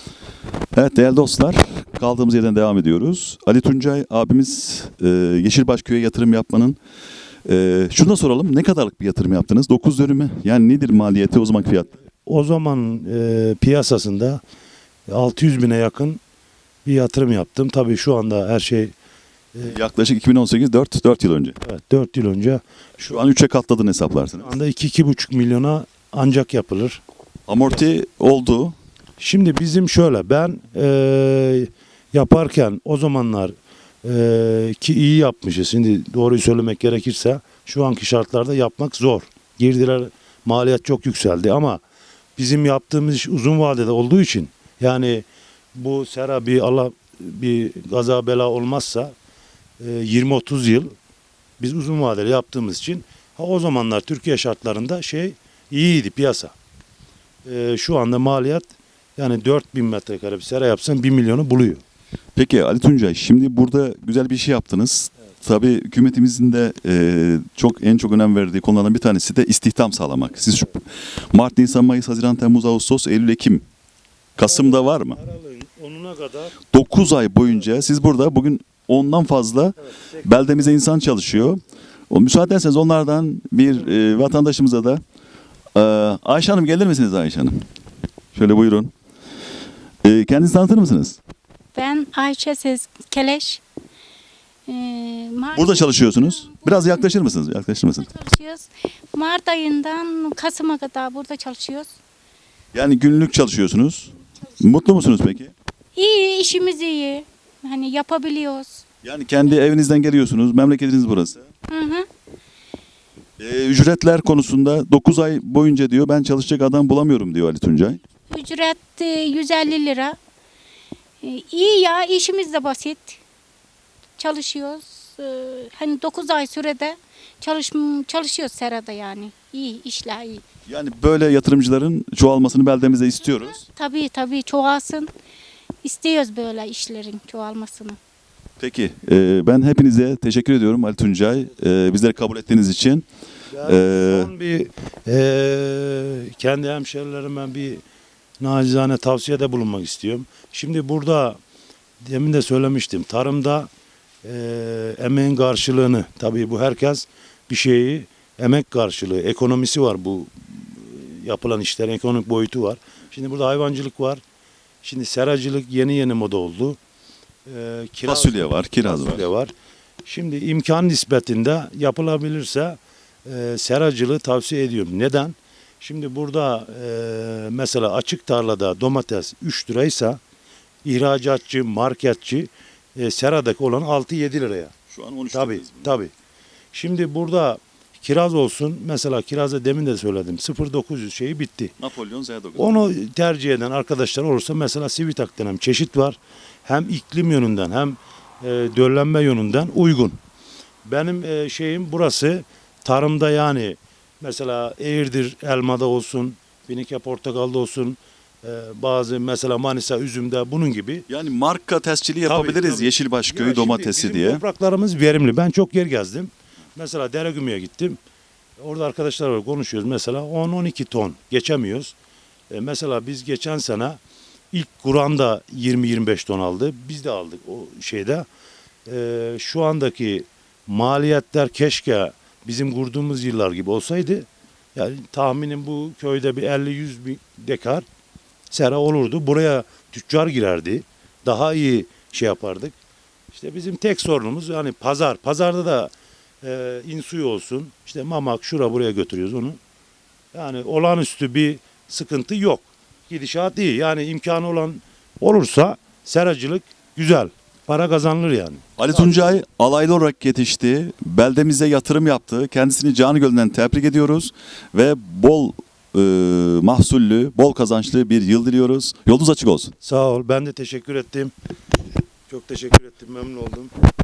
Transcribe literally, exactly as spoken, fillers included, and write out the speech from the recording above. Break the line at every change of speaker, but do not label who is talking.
Evet değerli dostlar, kaldığımız yerden devam ediyoruz. Ali Tuncay abimiz e, Yeşilbaş Köy'e yatırım yapmanın, e, şunu da soralım, ne kadarlık bir yatırım yaptınız? dokuz dönümü, yani nedir maliyeti, o zaman fiyat?
O zaman e, piyasasında altı yüz bine yakın bir yatırım yaptım. Tabii şu anda her şey
Yaklaşık iki bin on sekiz, dört, dört yıl önce.
evet, dört yıl önce
Şu an üçe katladığını hesaplarsınız.
şu anda iki iki buçuk milyona ancak yapılır.
Amorti oldu.
Şimdi bizim şöyle ben e, yaparken o zamanlar e, ki iyi yapmışız. Şimdi doğruyu söylemek gerekirse şu anki şartlarda yapmak zor. Girdiler, maliyet çok yükseldi ama bizim yaptığımız iş uzun vadede olduğu için yani bu sera bir Allah bir gaza bela olmazsa e, yirmi otuz yıl biz uzun vadeli yaptığımız için ha, o zamanlar Türkiye şartlarında şey iyiydi piyasa. E, şu anda maliyet yani dört bin metrekare bir sera yapsan bir milyonu buluyor.
Peki Ali Tuncay, şimdi burada güzel bir şey yaptınız. Tabii hükümetimizin de e, çok en çok önem verdiği konulardan bir tanesi de istihdam sağlamak. Siz şu Mart, Nisan, Mayıs, Haziran, Temmuz, Ağustos, Eylül, Ekim, Kasım'da var mı?
Aralığın onuna kadar
dokuz ay boyunca siz burada bugün ondan fazla beldemize insan çalışıyor. O müsaade ederseniz onlardan bir e, vatandaşımıza da e, Ayşe Hanım, gelir misiniz Ayşe Hanım? Şöyle buyurun. E, kendinizi tanıtır mısınız?
Ben Ayşe Sez Keleş. Ee, Mart-
Burada çalışıyorsunuz. Biraz yaklaşır mısınız? Yaklaşır mısınız?
Burada çalışıyoruz. Mart ayından Kasım'a kadar burada çalışıyoruz.
Yani günlük çalışıyorsunuz. Mutlu musunuz peki?
İyi, işimiz iyi. Hani yapabiliyoruz.
Yani kendi evinizden geliyorsunuz. Memleketiniz burası.
Hı hı.
E, ücretler konusunda dokuz ay boyunca diyor ben çalışacak adam bulamıyorum diyor Ali Tuncay.
Ücret e, yüz elli lira. Ee, iyi ya, işimiz de basit. Çalışıyoruz. Ee, hani dokuz ay sürede çalış çalışıyoruz serada yani. İyi, işler iyi.
Yani böyle yatırımcıların çoğalmasını beldemize istiyoruz.
Tabii tabii çoğalsın. İstiyoruz böyle işlerin çoğalmasını.
Peki e, ben hepinize teşekkür ediyorum Ali Tuncay. E, bizleri kabul ettiğiniz için.
yani
Ee,
son bir e, kendi hemşerilerime bir nacizane tavsiyede bulunmak istiyorum. Şimdi burada demin de söylemiştim. Tarımda e, emeğin karşılığını tabii bu herkes bir şeyi emek karşılığı ekonomisi var bu e, yapılan işlerin ekonomik boyutu var. Şimdi burada hayvancılık var. Şimdi seracılık yeni yeni moda oldu. E, kiraz-
fasulye var, kiraz var.
fasulye var. Şimdi imkan nispetinde yapılabilirse e, seracılığı tavsiye ediyorum. Neden? Şimdi burada e, mesela açık tarlada domates üç liraysa ihracatçı, marketçi e, seradaki olan altı yedi liraya.
Şu an on üç
Tabii,
lirayız.
tabii. Şimdi burada kiraz olsun. Mesela kirazda demin de söyledim. sıfır dokuz yüz şeyi bitti.
Napolyon Z dokuz.
Onu tercih eden arkadaşlar olursa mesela Sivitak denen çeşit var. Hem iklim yönünden hem e, döllenme yönünden uygun. Benim e, şeyim burası tarımda yani mesela Eğirdir elmada olsun, Binike portakalda olsun, e, bazı mesela Manisa üzümde bunun gibi.
Yani marka tescili yapabiliriz
Tabii, tabii.
Yeşilbaş
Ya
Köyü
şimdi
domatesi
bizim
diye.
Topraklarımız verimli. Ben çok yer gezdim. Mesela Deregümü'ye gittim. Orada arkadaşlarla konuşuyoruz. Mesela on on iki ton geçemiyoruz. E, mesela biz geçen sene ilk Kur'an'da yirmi yirmi beş ton aldı. Biz de aldık o şeyde. E, şu andaki maliyetler keşke bizim kurduğumuz yıllar gibi olsaydı. Yani tahminim bu köyde bir elli yüz bin dekar sera olurdu. Buraya tüccar girerdi. Daha iyi şey yapardık. İşte bizim tek sorunumuz yani pazar. Pazarda da e, insuyu olsun. İşte mamak şura buraya götürüyoruz onu. Yani olağanüstü bir sıkıntı yok. Gidişat iyi. Yani imkanı olan olursa seracılık güzel. Para kazanılır yani.
Ali Tuncay alaylı olarak yetişti. Beldemize yatırım yaptı. Kendisini canı gönülden tebrik ediyoruz. Ve bol e, mahsullü, bol kazançlı bir yıl diliyoruz. Yolunuz açık olsun.
Sağ ol. Ben de teşekkür ettim. Çok teşekkür ettim. Memnun oldum.